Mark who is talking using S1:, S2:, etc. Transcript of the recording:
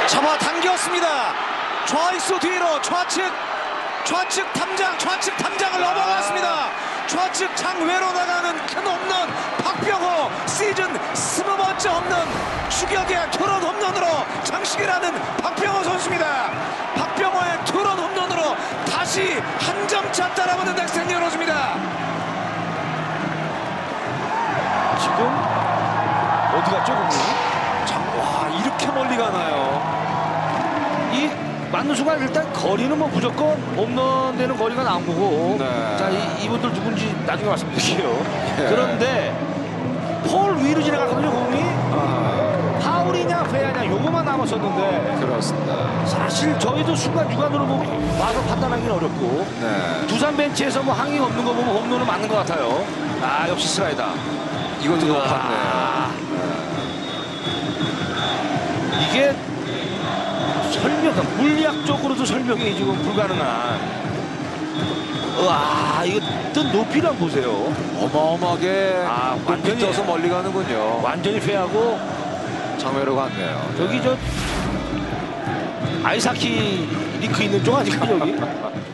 S1: 잡아당겼습니다. 좌익수 뒤로 좌측 탐장을 넘어갔습니다. 좌측 장외로 나가는 큰 홈런. 박병호 시즌 20번째 홈런. 추격의 투런 홈런으로 장식이라는 박병호 선수입니다. 박병호의 투런 홈런으로 다시 한 점 차 따라붙는 넥센이 이루어집니다.
S2: 지금 어디 갔죠, 공이?
S1: 와, 이렇게 멀리 가나요?
S2: 이 맞는 순간 일단 거리는 뭐 무조건 홈런 되는 거리가 나온 거고.
S1: 네.
S2: 자, 이분들 누군지 나중에 말씀드릴게요.
S1: 예.
S2: 그런데 폴 위로 지나갔거든요, 공이. 파울이냐 페어냐 요거만 남았었는데
S1: 그렇습니다.
S2: 사실 저희도 순간주간으로 뭐 와서 판단하기는 어렵고
S1: 네.
S2: 두산 벤치에서 뭐 항의 없는 거 보면 홈런은 맞는 것 같아요. 아, 역시 슬라이더.
S1: 이것도 높았네요.
S2: 아, 이게 물리학적으로도 설명이 지금 불가능한. 와, 이거 뜬 높이를 한번 보세요.
S1: 어마어마하게
S2: 완전히
S1: 높이 떠서 멀리 가는군요.
S2: 완전히 페하고
S1: 장외로 갔네요.
S2: 저기 저 아이사키 링크 있는 쪽 아닌가 저기?